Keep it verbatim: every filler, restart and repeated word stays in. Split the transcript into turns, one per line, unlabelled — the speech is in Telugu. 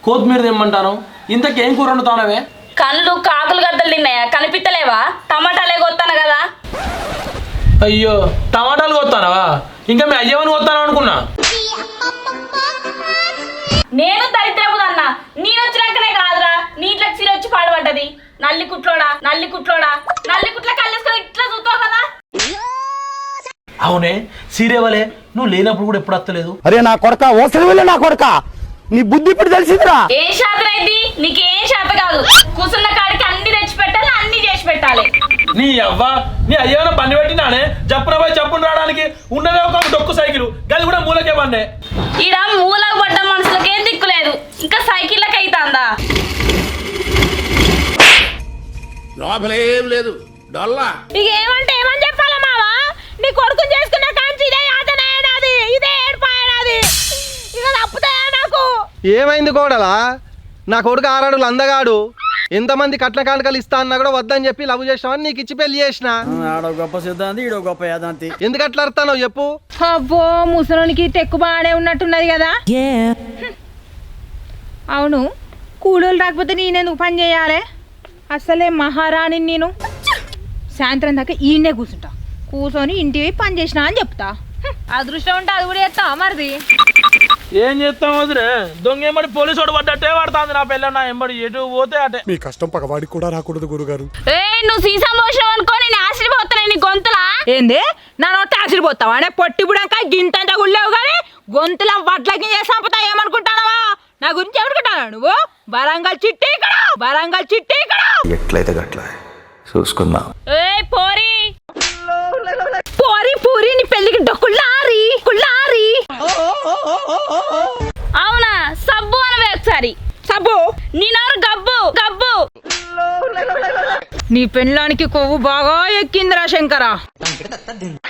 కొత్తిమీర తెమ్మంటాను. ఇంతకేం కూర వండుతానవే?
కళ్ళు కాకులు గద్దలు తిన్నాయా? కనిపిస్తలేవా? టమాటాలే కొత్తాను కదా.
అయ్యో టమాటాలు కొత్తానవా? ఇంకా మీ అయ్యవని కొత్తాను అనుకున్నా.
నేను దరిద్రపు అన్న. నేను వచ్చినాకనే కాదురా నీట్లకు సిరి వచ్చి పాడుపడ్డది. నల్లి కుట్లోడా నల్లి కుట్లోడా నల్లి కుట్ల కళ్ళేసుకొని ఇట్లా చూస్తావు కదా.
అవునే సీరేవలే, నువ్వు లేనప్పుడు కూడా ఎప్పుడు వస్తలేదు.
అరే నా కొడక ఓసలి నా కొడక, నీ బుద్ధి ఇప్పుడు తెలిసిందిరా.
ఏం శాతం అయింది నీకేం శాత కాదు. కూర్చున్న కాడికి అన్ని తెచ్చి పెట్టాలి, అన్ని చేసి పెట్టాలి.
నీ అవ్వ నీ అయ్యవన పని పెట్టినానే జప్పున పోయి చప్పున రావడానికి ఉన్నదే ఒక డొక్కు సైకిల్, గది కూడా మూలకే పన్నే.
ఈడ మూలకు పడ్డ మనుషులకి ఏం దిక్కులేదు, ఇంకా సైకిళ్ళకి అయితాందా?
లోపలేం లేదు డొల్లా.
ఇక ఏమంటే ఏమని చెప్పాలా మావా? నీ కొడుకుని చేసుకున్న కాంచి ఇదే యాతనది, ఇదే ఏడుపాయనది. ఇక తప్పుతాయా నాకు?
ఏమైంది కోడలా? నా కొడుకు ఆరాడులు అందగాడు, ఎంతమంది కట్ల కానుకలు ఇస్తా అన్నా కూడా వద్దని చెప్పి లవ్ చేసినావని నీకు ఇచ్చి పెళ్లి చేసిన.
ఆడో గొప్ప సిద్ధాంతి, ఈడో గొప్ప యాదాంతి.
ఎందుకు అట్లా అర్థానో చెప్పు.
అబ్బో ముసలోనికి తెక్కు బాగానే ఉన్నట్టున్నది కదా. అవును, కూలోళ్ళు రాకపోతే నేనెందుకు పని చేయాలి? అసలే మహారాణి నేను. సాయంత్రం దాకా ఈయనే కూర్చుంటా, కూర్చొని ఇంటికి పని చేసినా అని చెప్తా. అదృష్టం ఉంటే అది కూడా చేస్తా మరిది.
ఏం చేస్తాం వదిలే, దొంగ ఎంబడి పోలీసు వాడు పడ్డట్టే పడుతుంది నా పిల్ల. నా ఎంబడి ఎటు పోతే అటే.
మీ కష్టం పగవాడికి కూడా రాకూడదు గురుగారు.
ఏ నువ్వు సీసా మోసం అనుకో, నేను ఆశ్చర్యపోతున్నా నీ గొంతులా.
ఏంది నా నోట్ ఆశ్చర్యపోతావా? అనే పొట్టి బుడంకా గింతంత గుళ్ళేవు కానీ గొంతులా వడ్లకి చేసి చంపుతా ఏమనుకుంటానవా? నా గురించి ఎవరుకుంటానా నువ్వు? వరంగల్ చిట్టి ఇక్కడ, వరంగల్ చిట్టి ఇక్కడ.
ఎట్లయితే గట్ల చూసుకుందాం.
ఏ పోరి
పోరి పూరి నీ పెళ్లికి డొక్కుళ్ళారి కుళ్ళారి.
అవునా? సబ్బు అనవే ఒకసారి.
సబ్బు
నీ నోరు గబ్బు గబ్బు.
నీ పెళ్ళానికి కొవ్వు బాగా ఎక్కిందిరా శంకరా.